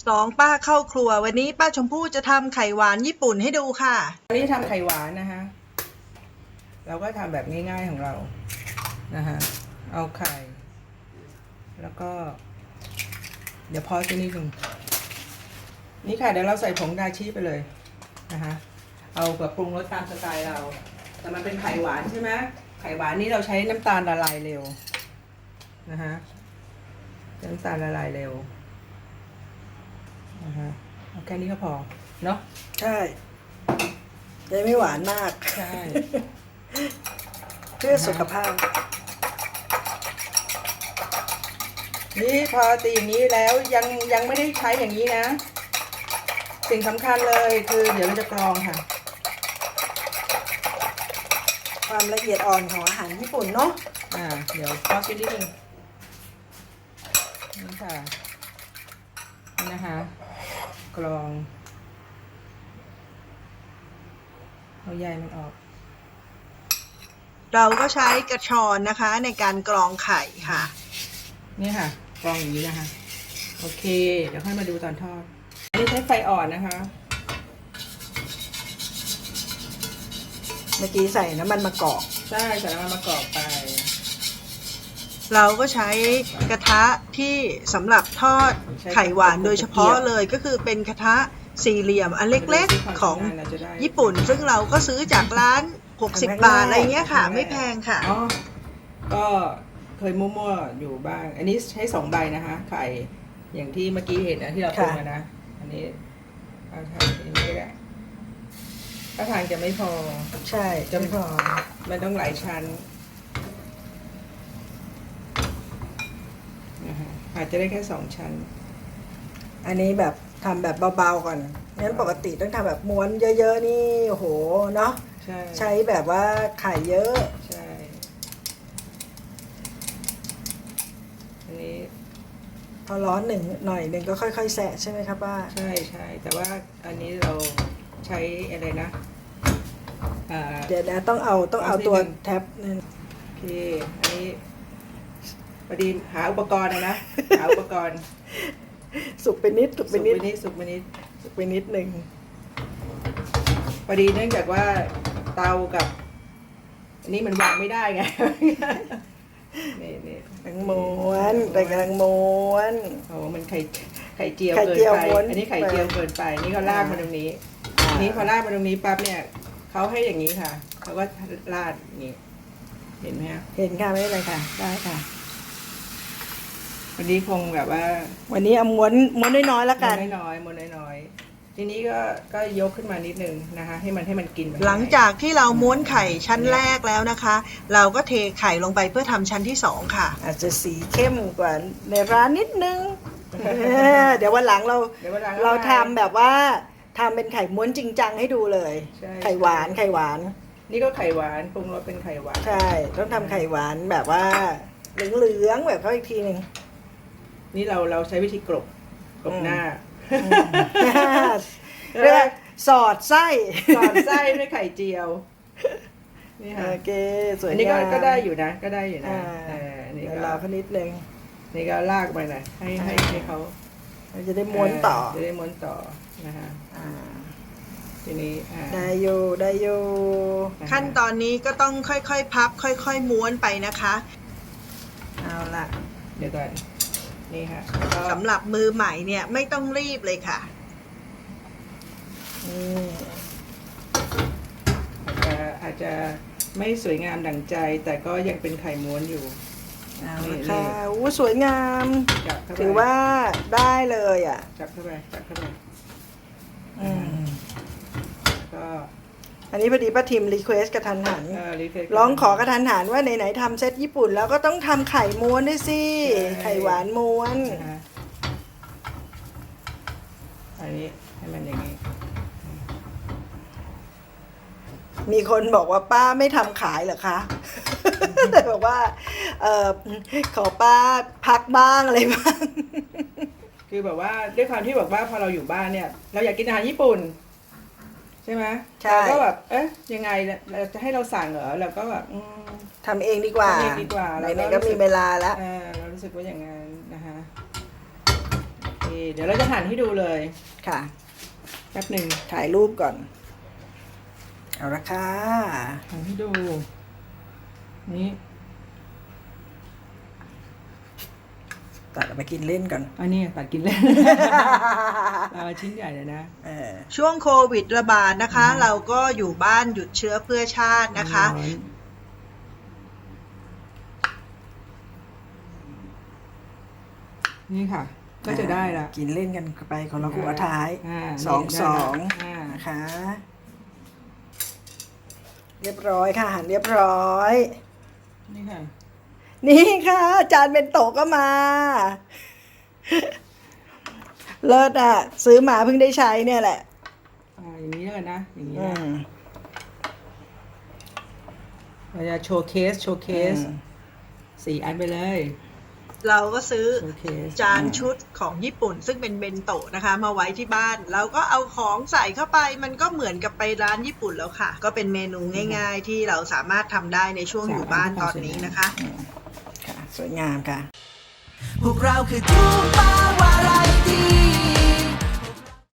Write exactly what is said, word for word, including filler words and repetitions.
สองป้าเข้าครัววันนี้ป้าชมพู่จะทำไข่หวานญี่ปุ่นให้ดูค่ะวันนี้ทำไข่หวานนะคะเราก็ทำแบบง่ายๆของเรานะคะเอาไข่แล้วก็เดี๋ยวพอสักนิดหนึ่งนี่ค่ะเดี๋ยวเราใส่ผงดาชิไปเลยนะคะเอาแบบปรุงรสตามสไตล์เราแต่มันเป็นไข่หวานใช่ไหมไข่หวานนี่เราใช้น้ำตาลละลายเร็วนะคะน้ำตาลละลายเร็วนะคะเอาแค่นี้ก็พอเนาะใช่จะไม่หวานมากใช่เพื่อสุขภาพนี่พอตีอย่างนี้แล้วยังยังไม่ได้ใช้อย่างนี้นะสิ่งสำคัญเลยคือเดี๋ยวเราจะกรองค่ะความละเอียดอ่อนของอาหารญี่ปุ่นเนาะอ่าเดี๋ยวพอสักนิดนึงนี่ค่ะนี่นะคะกรองเอาใยมันออกเราก็ใช้กระชอนนะคะในการกรองไข่ค่ะนี่ค่ะกรองอย่างนี้นะคะโอเคเดี๋ยวค่อยมาดูตอนทอดอันนี้ใช้ไฟอ่อนนะคะเมื่อกี้ใส่น้ำมันมะกอกใช่ใส่น้ำมันมะกอกไปเราก็ใช้กระทะที่สำหรับทอดไข่หวานโดยเฉพาะเลยก็คือเป็นกระทะสี่เหลี่ยมอันเล็กๆของญี่ปุ่นซึ่งเราก็ซื้อจากร้านหกสิบบาทอะไรเงี้ยค่ะไม่แพงค่ะอ๋อก็เคยมั่วๆอยู่บ้างอันนี้ใช้สองใบนะคะไข่อย่างที่เมื่อกี้เห็นนะที่เราปรุงนะอันนี้เอาทางนี้ก็ได้ถ้าทางจะไม่พอใช่จะไม่พอมันต้องหลายชั้นนะคะอาจจะได้แค่สองชั้นอันนี้แบบทำแบบเบาๆก่อนงั้นปกติต้องทำแบบม้วนเยอะๆนี่โอ้โหเนาะใช่ใช้แบบว่าไข่เยอะใช่อันนี้พอร้อนหนึ่งหน่อยหนึ่งก็ค่อยๆแสะใช่ไหมครับป้าใช่ใช่แต่ว่าอันนี้เราใช้อะไรนะเดี๋ยวนะต้องเอาต้องเอาตัวแท็บนั่นโอเคอันนี้พอดีหาอุปกรณ์นะหาอุปกรณ์สุกไปนิดสุกไปนิดสุกไปนิดสุกไปนิดหนึ่งพอดีเนื่องจากว่าเตากับอันนี้มันวางไม่ได้ไงนี่นี่กำลังม้วนแต่กำลังม้วนโอ้มันไข่ไข่เจียวเกินไปอันนี้ไข่เจียวเกินไปนี่เขาลากมาตรงนี้นี่พอลากมาตรงนี้ปั๊บเนี่ยเขาให้อย่างนี้ค่ะเขาก็ลาดอย่างนี้เห็นไหมคะเห็นค่ะไม่เป็นไรค่ะได้ค่ะวันนี้คงแบบว่าวันนี้เอาม้วนม้วนน้อยๆแล้วกันม้วนน้อยๆม้วนน้อยๆทีนี้ก็ก็ยกขึ้นมานิดนึงนะคะให้มันให้มันกินหลังจากที่เราม้วนไข่ชั้นแรกแล้วนะคะ เราก็เทไข่ลงไปเพื่อทำชั้นที่สองค่ะอาจจะสีเข้มกว่าในร้านนิดนึงเดี๋ยววันหลังเราเราทำแบบว่าทำเป็นไข่ม้วนจริงจังให้ดูเลยไข่หวานไข่หวานนี่ก็ไข่หวานปรุงรสเป็นไข่หวานใช่ต้องทำไข่หวานแบบว่าเหลืองๆแบบเขาอีกทีหนึ่งนี่เราเราใช้วิธีกลบกลบหน้าเรียกสอดไส้สอดไส้ด้วยไข่เจียวนี่ค่ะโอเคสวยงามอันนี้ก็ก็ได้อยู่นะก็ได้อยู่นะนี่ก็รอเขานิดนึงนี่ก็ลากไปหน่อยให้ให้ให้เขาจะได้ม้วนต่อจะได้ม้วนต่อนะคะทีนี้ได้อยู่ได้อยู่ขั้นตอนนี้ก็ต้องค่อยๆพับค่อยๆม้วนไปนะคะเอาละเดี๋ยวก่อนนี่ค่ะสำหรับมือใหม่เนี่ยไม่ต้องรีบเลยค่ะอาจจะอาจจะไม่สวยงามดั่งใจแต่ก็ยังเป็นไข่ม้วนอยู่เอาละค่ะอู้สวยงามถือว่าได้เลยอ่ะจับเข้าไปจับเข้าไปก็อันนี้พอดีป้าทิมรีเควสกระทันหันร้องขอกระทันหันว่าไหนๆทำเซตญี่ปุ่นแล้วก็ต้องทำไข่ม้วนด้วยสิไข่หวานม้วนอันนี้ให้มันอย่างนี้มีคนบอกว่าป้าไม่ทำขายเหรอคะบอกว่าเออขอป้าพักบ้างอะไรบ้างคือแบบว่าด้วยความที่แบบว่าพอเราอยู่บ้านเนี่ยเราอยากกินอาหารญี่ปุ่นใช่ไหมใช่ก็แบบเอ๊ะยังไงเราจะให้เราสั่งเหรอเราก็แบบทำเองดีกว่าทำเองดีกว่าไหนๆก็มีเวลาแล้วเรารู้สึกว่าอย่างนั้นนะคะโอเคเดี๋ยวเราจะหั่นให้ดูเลยค่ะแป๊บหนึ่งถ่ายรูปก่อน เอาละค่ะหั่นให้ดู นี่ตัดเอาไปกินเล่นก่อนอันนี้ตัดกินเล่น เอาชิ้นใหญ่เลยนะช่วงโควิดระบาดนะคะ เราก็อยู่บ้านหยุดเชื้อเพื่อชาตินะคะนี่ค่ะ ก็จะได้ละกินเล่นกันไปของเราหัวท้ายอ่าสองนี่สองได้ละอ่านะคะ เรียบร้อยค่ะหั่นเรียบร้อยนี่ค่ะนี่ค่ะ จานเบนโตะก็มา เลิศอ่ะ ซื้อมาเพิ่งได้ใช้เนี่ยแหละอ่าอย่างนี้แล้วกันนะ อย่างนี้อืนะมเราจะโชว์เคส โชว์เคสอืมสี่อันไปเลยเราก็ซื้อโชว์เคสจานชุดของญี่ปุ่นซึ่งเป็นเบนโตะนะคะ มาไว้ที่บ้านเราก็เอาของใส่เข้าไปมันก็เหมือนกับไปร้านญี่ปุ่นแล้วค่ะ ก็เป็นเมนูง่ายๆ ที่เราสามารถทำได้ในช่วงอยู่บ้านตอนนี้นะคะค่ะ สวยงามค่ะพวกเราคือทูปาวาไรตี้